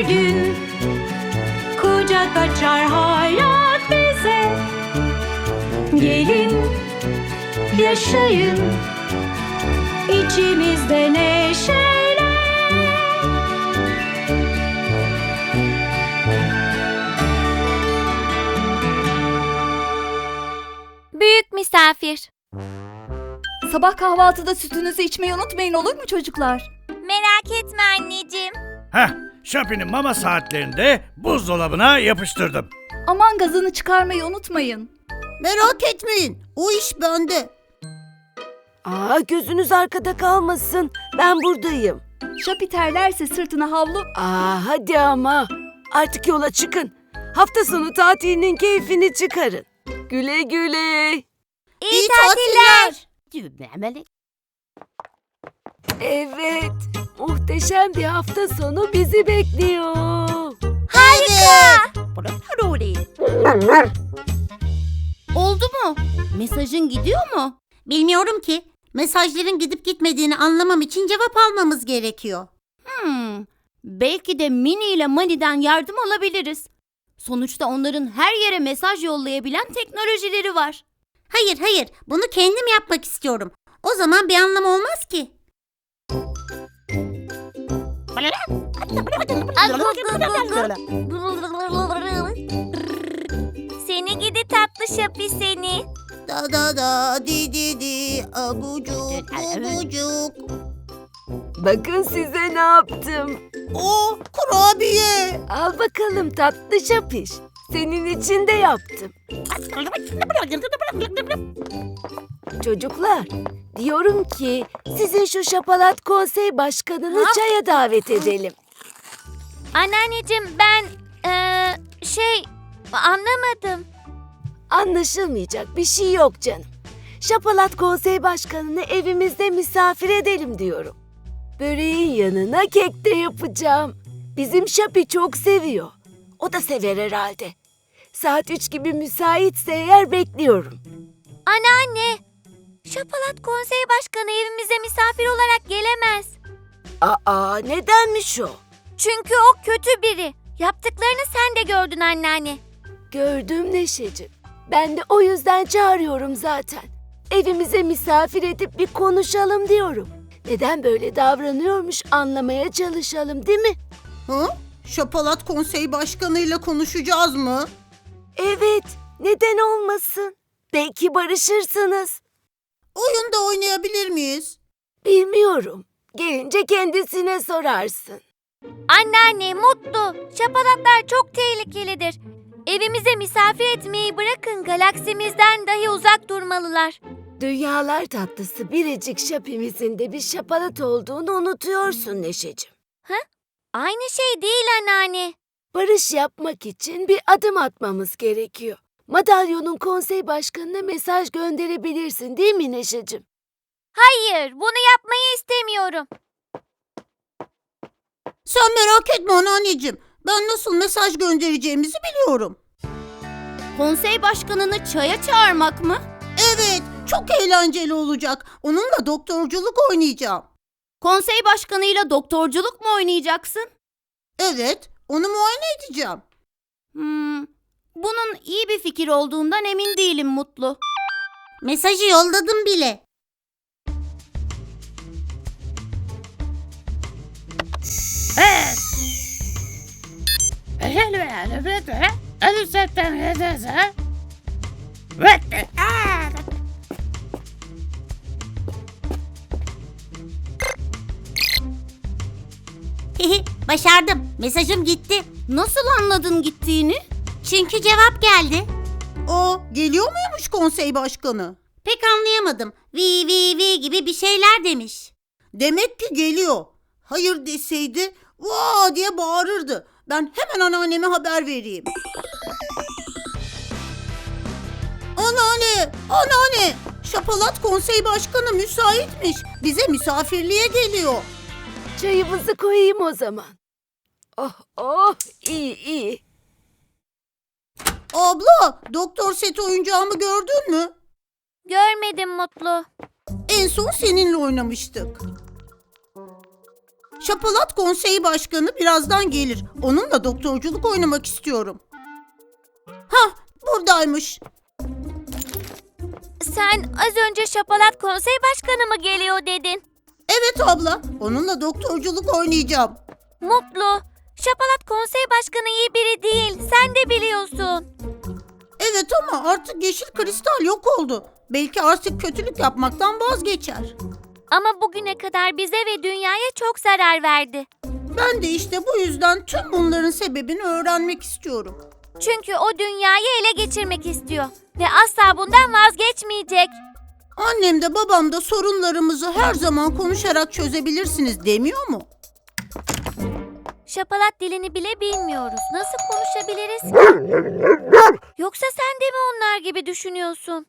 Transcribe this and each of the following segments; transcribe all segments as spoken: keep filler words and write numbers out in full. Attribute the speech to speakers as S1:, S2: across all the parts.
S1: gün kucak açar hayat bize. Gelin yaşayın içimizde neşeyle.
S2: Büyük misafir.
S3: Sabah kahvaltıda sütünüzü içmeyi unutmayın, olur mu çocuklar?
S2: Merak etme anneciğim.
S4: Heh, Şapi'nin mama saatlerinde buzdolabına yapıştırdım.
S3: Aman gazını çıkarmayı unutmayın.
S5: Merak etmeyin, o iş bende.
S6: Aa, gözünüz arkada kalmasın. Ben buradayım.
S3: Şapi terlerse sırtına havlu...
S6: Aa, hadi ama. Artık yola çıkın. Hafta sonu tatilinin keyfini çıkarın. Güle güle.
S2: İyi,
S5: İyi
S2: tatiller.
S6: Evet, muhteşem bir hafta sonu bizi bekliyor.
S2: Harika.
S7: Oldu mu? Mesajın gidiyor mu?
S5: Bilmiyorum ki. Mesajların gidip gitmediğini anlamam için cevap almamız gerekiyor.
S7: Hmm, belki de Mini ile Mani'den yardım alabiliriz. Sonuçta onların her yere mesaj yollayabilen teknolojileri var.
S5: Hayır hayır, bunu kendim yapmak istiyorum. O zaman bir anlamı olmaz ki.
S2: Seni gidi tatlı Şapi seni.
S5: Da da da di di di abucuk bubucuk.
S6: Bakın size ne yaptım.
S5: O kurabiye.
S6: Al bakalım tatlı şapiş. Senin için de yaptım. Çocuklar, diyorum ki sizin şu şapalat konsey başkanını çaya davet edelim.
S2: Anneanneciğim ben eee, şey anlamadım.
S6: Anlaşılmayacak bir şey yok canım. Şapalat konsey başkanını evimizde misafir edelim diyorum. Böreğin yanına kek de yapacağım. Bizim Şapi çok seviyor. O da sever herhalde. Saat üç gibi müsaitse eğer bekliyorum.
S2: Anneanne, Şapalat Konsey Başkanı evimize misafir olarak gelemez.
S6: Aa, nedenmiş o?
S2: Çünkü o kötü biri. Yaptıklarını sen de gördün anneanne.
S6: Gördüm Neşeciğim. Ben de o yüzden çağırıyorum zaten. Evimize misafir edip bir konuşalım diyorum. Neden böyle davranıyormuş anlamaya çalışalım, değil mi?
S5: Hı? Şapalat Konsey Başkanı'yla konuşacağız mı?
S6: Evet, neden olmasın? Belki barışırsınız.
S5: Oyun da oynayabilir miyiz?
S6: Bilmiyorum. Gelince kendisine sorarsın.
S2: Anneanne mutlu. Şapalatlar çok tehlikelidir. Evimize misafir etmeyi bırakın, galaksimizden dahi uzak durmalılar.
S6: Dünyalar tatlısı biricik Şapimizin de bir şapalat olduğunu unutuyorsun Neşeciğim.
S2: Aynı şey değil anneanne.
S6: Barış yapmak için bir adım atmamız gerekiyor. Madalyonun konsey başkanına mesaj gönderebilirsin, değil mi Neşeciğim?
S2: Hayır, bunu yapmayı istemiyorum.
S5: Sen merak etme anneanneciğim. Ben nasıl mesaj göndereceğimizi biliyorum.
S7: Konsey başkanını çaya çağırmak mı?
S5: Evet, çok eğlenceli olacak. Onunla doktorculuk oynayacağım.
S7: Konsey başkanıyla doktorculuk mu oynayacaksın?
S5: Evet, onu muayene edeceğim.
S7: Hmm, bunun iyi bir fikir olduğundan emin değilim Mutlu.
S5: Mesajı yolladım bile. Başardım. Mesajım gitti.
S7: Nasıl anladın gittiğini?
S5: Çünkü cevap geldi. O geliyor muymuş konsey başkanı? Pek anlayamadım. Vi vi vi gibi bir şeyler demiş. Demek ki geliyor. Hayır deseydi vaa diye bağırırdı. Ben hemen anneanneme haber vereyim. Anneanne, anneanne. Şapalat konsey başkanı müsaitmiş. Bize misafirliğe geliyor.
S6: Çayımızı koyayım o zaman. Oh oh, iyi iyi.
S5: Abla, doktor set oyuncağımı gördün mü?
S2: Görmedim Mutlu.
S5: En son seninle oynamıştık. Şapalat Konseyi Başkanı birazdan gelir. Onunla doktorculuk oynamak istiyorum. Hah, buradaymış.
S2: Sen az önce Şapalat Konsey Başkanı mı geliyor dedin?
S5: Evet abla, onunla doktorculuk oynayacağım.
S2: Mutlu. Şapalat Konsey Başkanı iyi biri değil. Sen de biliyorsun.
S5: Evet ama artık yeşil kristal yok oldu. Belki artık kötülük yapmaktan vazgeçer.
S2: Ama bugüne kadar bize ve dünyaya çok zarar verdi.
S5: Ben de işte bu yüzden tüm bunların sebebini öğrenmek istiyorum.
S2: Çünkü o dünyayı ele geçirmek istiyor. Ve asla bundan vazgeçmeyecek.
S5: Annem de babam da sorunlarımızı her zaman konuşarak çözebilirsiniz demiyor mu?
S2: Şapalat dilini bile bilmiyoruz. Nasıl konuşabiliriz? Yoksa sen de mi onlar gibi düşünüyorsun?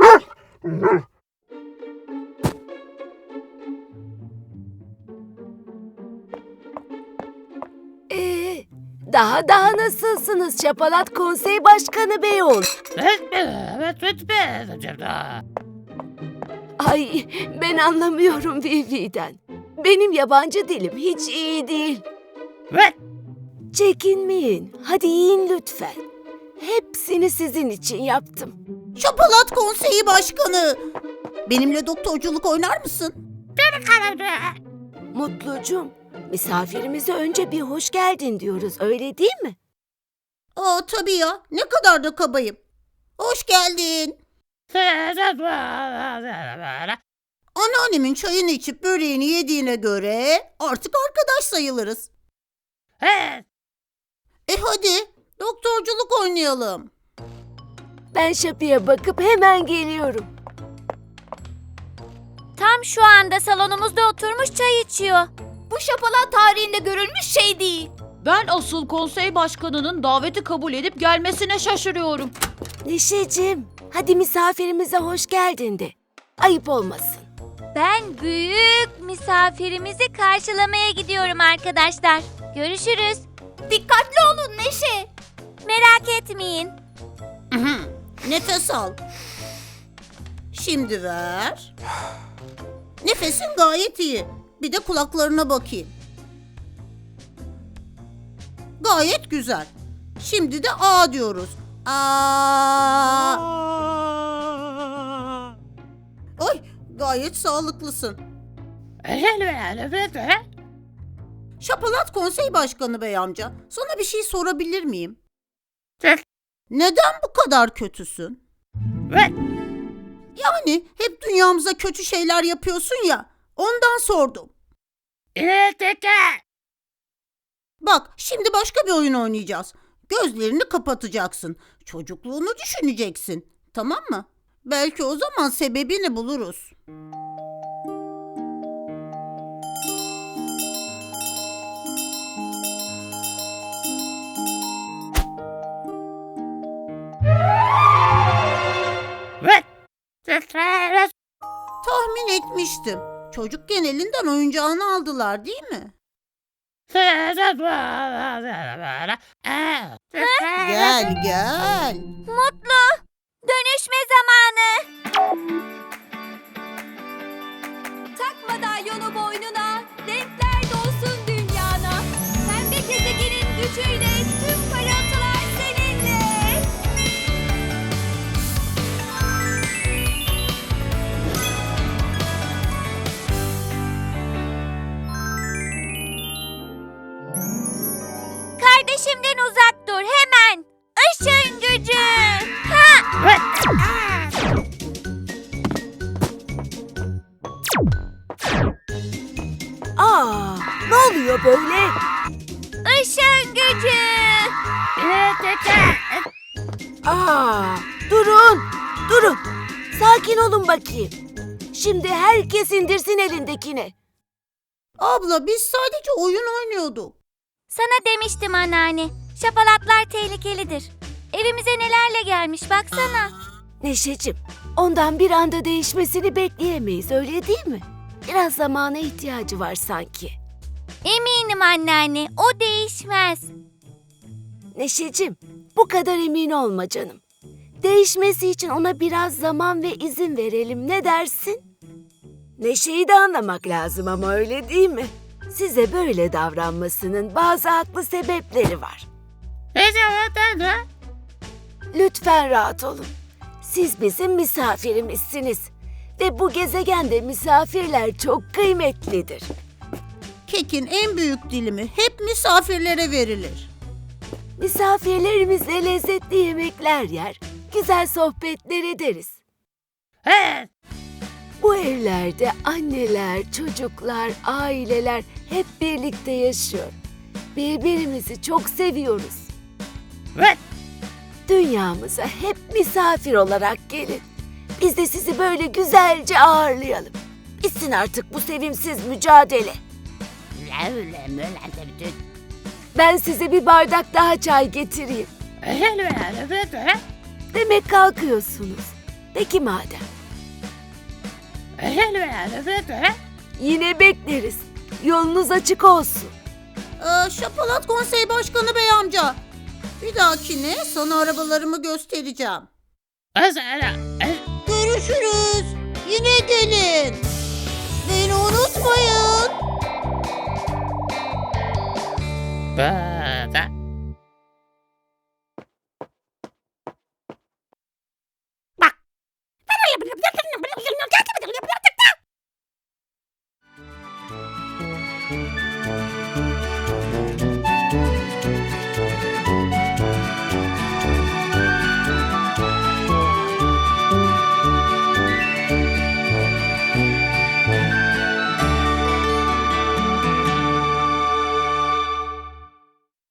S6: Ee, daha daha nasılsınız Şapalat Konsey Başkanı Beyoğlu? Ay, ben anlamıyorum Vivi'den. Benim yabancı dilim hiç iyi değil. Çekinmeyin. Hadi yiyin lütfen. Hepsini sizin için yaptım.
S5: Şapalat Konseyi Başkanı! Benimle doktorculuk oynar mısın?
S6: Mutlucum, misafirimize önce bir hoş geldin diyoruz, öyle değil mi?
S5: Aa tabii ya, ne kadar da kabayım. Hoş geldin. Anneannemin çayını içip böreğini yediğine göre artık arkadaş sayılırız. E hadi, doktorculuk oynayalım.
S6: Ben Şapi'ye bakıp hemen geliyorum.
S2: Tam şu anda salonumuzda oturmuş çay içiyor.
S3: Bu şapalat tarihinde görülmüş şey değil.
S7: Ben asıl konsey başkanının daveti kabul edip gelmesine şaşırıyorum.
S6: Neşeciğim, hadi misafirimize hoş geldin de. Ayıp olmasın.
S2: Ben büyük misafirimizi karşılamaya gidiyorum arkadaşlar. Görüşürüz.
S3: Dikkatli olun Neşe.
S2: Merak etmeyin.
S5: Nefes al. Şimdi ver. Nefesin gayet iyi. Bir de kulaklarına bakayım. Gayet güzel. Şimdi de A diyoruz. Aa. Oy, gayet sağlıklısın. Şapalat Konsey Başkanı Bey amca, sana bir şey sorabilir miyim? Neden bu kadar kötüsün? Yani hep dünyamıza kötü şeyler yapıyorsun ya, ondan sordum. Bak, şimdi başka bir oyun oynayacağız. Gözlerini kapatacaksın. Çocukluğunu düşüneceksin. Tamam mı? Belki o zaman sebebini buluruz. Tahmin etmiştim. Çocukken elinden oyuncağını aldılar değil mi? Gel gel.
S2: Mutlu. Dönüşme zamanı.
S3: Takma dalyonu boynuna, renkler dolsun dünyana. Pembe gezegenin gücüyle tüm parıltılar seninle.
S2: Kardeşimden uzak dur hemen. Işın gücü. Ha!
S6: Aa, ne oluyor böyle?
S2: Işın gücü.
S6: Aa, durun, durun. Sakin olun bakayım. Şimdi herkes indirsin elindekini.
S5: Abla biz sadece oyun oynuyorduk.
S2: Sana demiştim anneanne. Şapalatlar tehlikelidir. Evimize nelerle gelmiş baksana.
S6: Neşeciğim, ondan bir anda değişmesini bekleyemeyiz, öyle değil mi? Biraz zamana ihtiyacı var sanki.
S2: Eminim anneanne, o değişmez.
S6: Neşeciğim, bu kadar emin olma canım. Değişmesi için ona biraz zaman ve izin verelim, ne dersin? Neşe'yi de anlamak lazım ama öyle değil mi? Size böyle davranmasının bazı haklı sebepleri var. Lütfen rahat olun. Siz bizim misafirimizsiniz. Ve bu gezegende misafirler çok kıymetlidir.
S5: Kekin en büyük dilimi hep misafirlere verilir.
S6: Misafirlerimizle lezzetli yemekler yer, güzel sohbetler ederiz. Bu evlerde anneler, çocuklar, aileler hep birlikte yaşıyor. Birbirimizi çok seviyoruz. Dünyamıza hep misafir olarak gelin. Biz de sizi böyle güzelce ağırlayalım. Bitsin artık bu sevimsiz mücadele. Ben size bir bardak daha çay getireyim. Demek kalkıyorsunuz. Peki madem. Yine bekleriz. Yolunuz açık olsun.
S5: Ee, Şapalat Konsey Başkanı Bey amca. Bir dahakine sana arabalarımı göstereceğim. Görüşürüz. Yine gelin. Beni unutmayın.